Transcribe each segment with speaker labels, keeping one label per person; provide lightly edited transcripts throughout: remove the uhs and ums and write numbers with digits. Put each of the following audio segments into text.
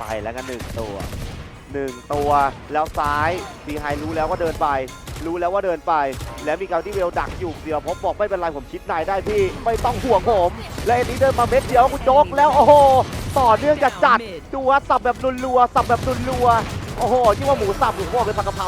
Speaker 1: ไปแล้วกัน1 ตัวแล้วซ้ายบีไฮรู้แล้วว่าเดินไปแล้วมีการที่เวลดักอยู่เดียวผมบอกไม่เป็นไรผมชิดนายได้พี่ไม่ต้องห่วงผมและอันนี้เดินมาเม็ดเดียวคุณโจ๊กแล้วโอ้โหต่อเนื่องจัดดูว่าสับแบบรัวโอ้โหที่ว่าหมูสับหรือว่าเป็นผักกะเพรา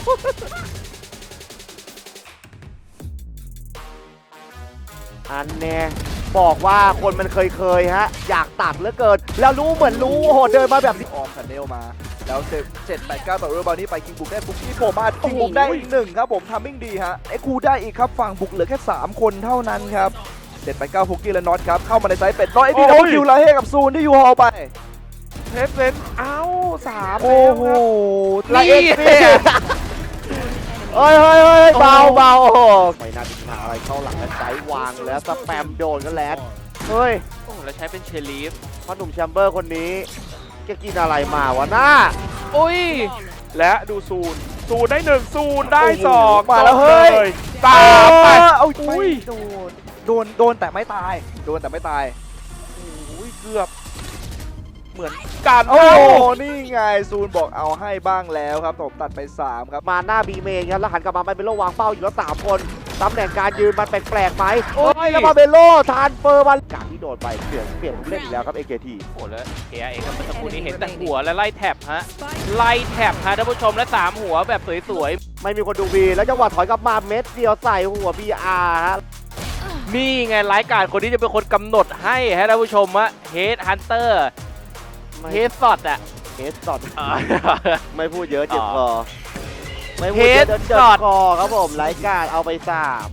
Speaker 1: อันเนี้ยบอกว่าคนมันเคยฮะอยากตัดเหลือเกินแล้วรู้เหมือนรู้โอ้โหเดินมาแบบนี้
Speaker 2: ออมคันเนลมาแล้ว7-8-9ต่อเรือบอลนี้ไปคิงบุกได้บุกที่ผมมาคิงบุกได้อีก1ครับผมทำมิ่งดีฮะไอ้คูได้อีกครับฝั่งบุกเหลือแค่3คนเท่านั้นครับ7-8-9ฟุกกี้และน็อตครับเข้ามาในไซส์เป็ดน้อยไอ้ดีดับคิวลาเฮกับซูนที่ยูฮอลไป
Speaker 3: เทสเซนเอ้า3
Speaker 2: โอ้โห
Speaker 1: ละเอียดเฮ้ยเบาโอ้โหไม่น่าจะมาอะไรเข้าหลังแล้วใจวางแล้วสแปมโดนกันแล้วเฮ้ย
Speaker 3: โอ้แล้วใช้เป็นเชลีฟ
Speaker 1: พ่อหนุ่มแชมเบอร์คนนี้แกกินอะไรมาวะหน้า
Speaker 3: อุ้ยและดูซูนได้1ซูนได้2
Speaker 2: มาแล้วเฮ้ย
Speaker 3: ตามไป
Speaker 2: เอา
Speaker 3: อุ้ย
Speaker 2: โดนแต่ไม่ตายโ
Speaker 3: อุ้ยเกือบเหมือนกัน
Speaker 2: โอ้นี่ไงซูนบอกเอาให้บ้างแล้วครับผมตัดไป3ครับ
Speaker 1: มาหน้าบีเมนครับแล้วหันกลับมาเป็นโลวางเป้าอยู่แล้ว3 คนตำแหน่งการยืนมันแปลกๆไหมโอ้ยแล้วมาเบโลทานเฟอร์มันการที่โดดไปเปลี่ยนผู้เล่นอีกแล้วครับ AKT
Speaker 3: โอ้แล้วเอครับเมื่อสักครู่นี้เห็นแต่หัวและไล่แท็บฮะไล่แท็บฮะท่านผู้ชมและ3หัวแบบสวย
Speaker 1: ไม่มีคนดูบีแล้วจังหวะถอยกลับมาเม็ดเดียวใส่หัว BR ฮะ
Speaker 3: ๆนี่ไงรายการคนที่จะเป็นคนกำหนดให้ฮะท่านผู้ชมฮะเฮดฮันเตอร์เฮดซอดอะ
Speaker 1: เฮดสอดไม่พูดเยอะเจ็บคอไม่พูด
Speaker 3: เฮ
Speaker 1: เย
Speaker 3: ด
Speaker 1: อะเจ็บ
Speaker 3: สอด
Speaker 1: คอครับผมรายการเอาไป3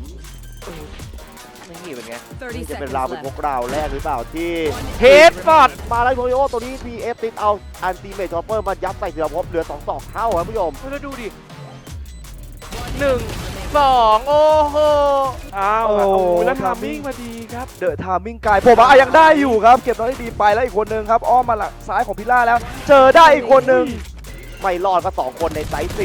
Speaker 3: นี่เป็นไง
Speaker 1: นี่จะเป็นราวเป็นพวกเราแรกหรือเปล่าที่
Speaker 3: เฮดฟอร์ด
Speaker 1: มาแล้วโทริโอตัวนี้ PF ติดเอาอันตีเมทชอปเปอร์มายัดใส่เสือพบเหลือ2 เท่าครับผู้ชม
Speaker 3: แล้วดูดิ1 2โอ้โหอ้าวแล้วทามมิ่งมาดีครับ
Speaker 2: เดอะทามมิ่งไกลผมยังได้อยู่ครับเก็บน้อยดีไปแล้วอีกคนนึงครับอ้อมมาหลังซ้ายของพิล่าแล้ว เจอได้อีกคนนึง
Speaker 1: ไม่รอดก็2 คนในไซส์4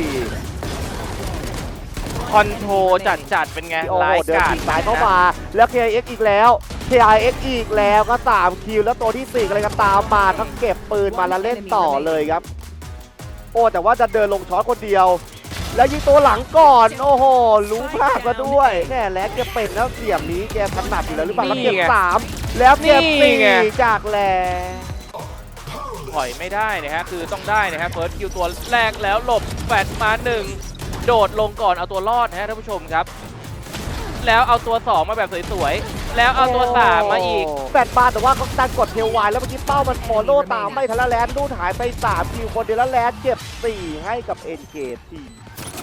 Speaker 3: คอนโทรจัดเป็นไง
Speaker 1: โอ้โห
Speaker 3: ราย
Speaker 1: เดิน
Speaker 3: การ
Speaker 1: ฉีกซ้ายเข้ามาแล้ว KIX อีกแล้ว KIX อีกแล้วก็3 คิวแล้วตัวที่4อะไรก็ตามมาทั้งเก็บปืนมาแล้วเล่นต่อเลยครับโอ้แต่ว่าจะเดินลงช็อตคนเดียวแล้วยิงตัวหลังก่อนโอ้โหรู้พลาดมาด้วยแน่แล้วแกเป็นแล้วเสียมนี้แกถนัดอยู่แล้วหรือเปล่าแล้วเก็บ3แล้วเก็บ4จากแล
Speaker 3: ถอยไม่ได้นะฮะคือต้องได้นะฮะเฟิร์สคิวตัวแรกแล้วหลบแฟดมา1โดดลงก่อนเอาตัวรอดนะฮะท่านผู้ชมครับแล้วเอาตัว2มาแบบสวยๆแล้วเอาตัว3มาอีก
Speaker 1: 8 บาทแต่ว่าเขาดันกดเทลไวแล้วเมื่อกี้เป้ามันฟอลโล่ตามไม่ทันแล้วแลนด์ดูหายไป3 คิวคนเดียวแล้วแลนด์เก็บ4ให้กับเอ็นเกตที